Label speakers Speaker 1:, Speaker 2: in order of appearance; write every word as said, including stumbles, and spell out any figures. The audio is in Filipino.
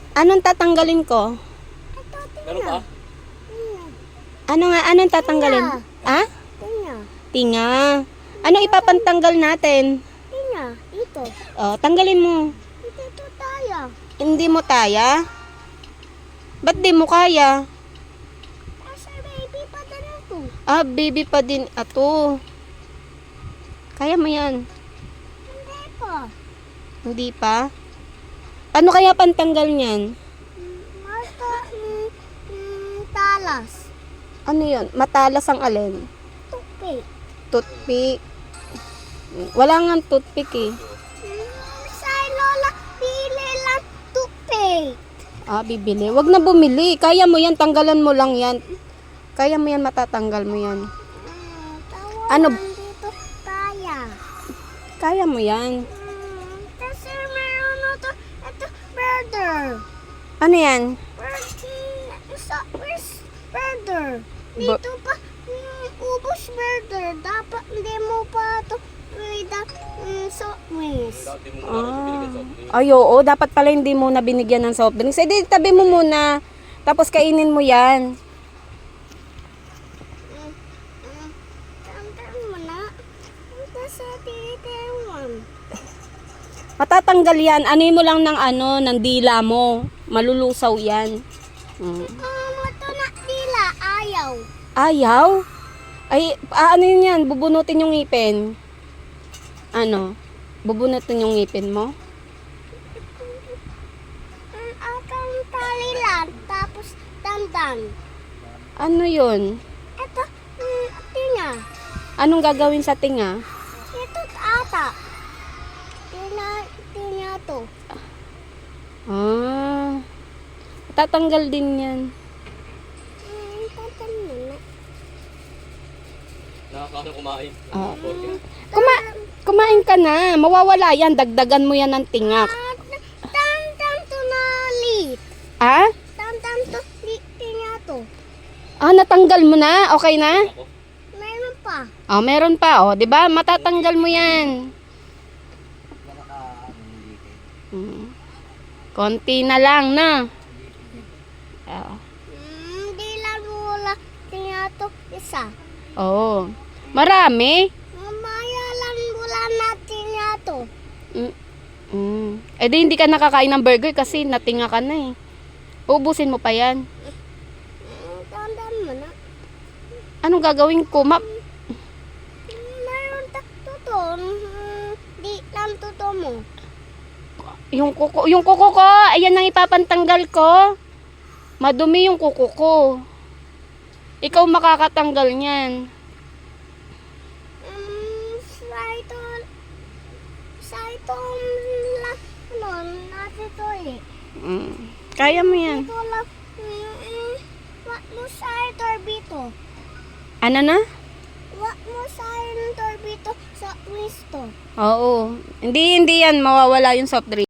Speaker 1: Anong tatanggalin ko?
Speaker 2: Ito,
Speaker 3: Meron
Speaker 2: tinga.
Speaker 3: ba?
Speaker 2: Tinga.
Speaker 1: Ano nga, anong tatanggalin?
Speaker 2: Tinga.
Speaker 1: Ah?
Speaker 2: Tinga.
Speaker 1: Tinga. Anong ipapantanggal natin?
Speaker 2: Tinga. Ito.
Speaker 1: Oh, tanggalin mo.
Speaker 2: Ito, ito tayo.
Speaker 1: Hindi mo kaya? Ba't di mo kaya?
Speaker 2: Kasi baby pa din ito.
Speaker 1: Ah, baby pa din ato. Kaya mo yan.
Speaker 2: Hindi pa.
Speaker 1: Hindi pa? Ano kaya pantanggal niyan?
Speaker 2: Mm, Mata, mm, mm, talas.
Speaker 1: Ano yun? Matalas ang alin?
Speaker 2: Tupik.
Speaker 1: Toothpick. Wala nga toothpick eh.
Speaker 2: Mm, Sa lola, pili lang tupik.
Speaker 1: Ah, bibili. Wag na bumili. Kaya mo yan. Tanggalan mo lang yan. Kaya mo yan. Matatanggal mo yan.
Speaker 2: Mm,
Speaker 1: Ano?
Speaker 2: tawanan dito kaya.
Speaker 1: Kaya mo yan.
Speaker 2: Mm, kasi meron na to, ito, brother.
Speaker 1: Ano yan?
Speaker 2: Bird, sa, where's brother?
Speaker 1: Ba-
Speaker 2: Dito pa, mm, ubos brother. Dapat hindi mo pa to with the mm, sweetness.
Speaker 3: Dati mo muna rin binigyan sa opening.
Speaker 1: Ay, oo. Dapat pala hindi mo na binigyan ng soft drinks. Eh, di, tabi mo muna. Tapos kainin mo yan.
Speaker 2: Mm, mm, Tantan mo na. Kasi titiwan.
Speaker 1: Matatanggal yan. Anoy mo lang ng ano, ng dila mo. Malulusaw yan. Mm.
Speaker 2: Um, ito na tila, ayaw.
Speaker 1: Ayaw? Ay, ah, ano yun yan? Bubunutin yung ngipin. Ano? Bubunutin yung ngipin mo?
Speaker 2: Ang akang tali lang, tapos dandan.
Speaker 1: Ano yun?
Speaker 2: Ito, mm, tinga.
Speaker 1: Anong gagawin sa tinga?
Speaker 2: Ito ata. Tinga, tinga to.
Speaker 1: Ah, tatanggal din yan.
Speaker 2: Mm, tantan mo na.
Speaker 3: Nakakaano kumain.
Speaker 1: Ah.
Speaker 3: Burger.
Speaker 1: Kuma kumain ka na. Mawawala yan. Dagdagan mo yan ng tingak.
Speaker 2: Tantan to na lit.
Speaker 1: Ah?
Speaker 2: Tantan to lit tinga to.
Speaker 1: Ah, natanggal mo na? Okay na?
Speaker 3: Ako.
Speaker 2: Meron pa.
Speaker 1: Oh, meron pa. Oh, 'di ba? Matatanggal mo yan. Hmm. Konti na lang na. Oh.
Speaker 2: Mm, di lang wala tinga to isa.
Speaker 1: Oh. Marami.
Speaker 2: Mamaya lang wala natin nga to.
Speaker 1: Mm. Mm. Eh di hindi ka nakakain ng burger kasi natinga ka na eh. Ubusin mo pa yan.
Speaker 2: Mm, tantan mo na.
Speaker 1: Anong gagawin ko? Ma
Speaker 2: Mm, Meron ta to. Mm, di lang to mo.
Speaker 1: yung kuko, yung kuko ko, ayan ang ipapantanggal ko. Madumi yung kuko ko. Ikaw makakatanggal niyan.
Speaker 2: Um, sa ito, sa itong la, ano, natin to eh.
Speaker 1: Mm. Kaya mo yan.
Speaker 2: Ito lang, mm, mm, wag mo sa torbito.
Speaker 1: Ano na?
Speaker 2: Wag mo sa torbito sa wisto.
Speaker 1: Oo. Hindi, hindi yan mawawala yung soft drink.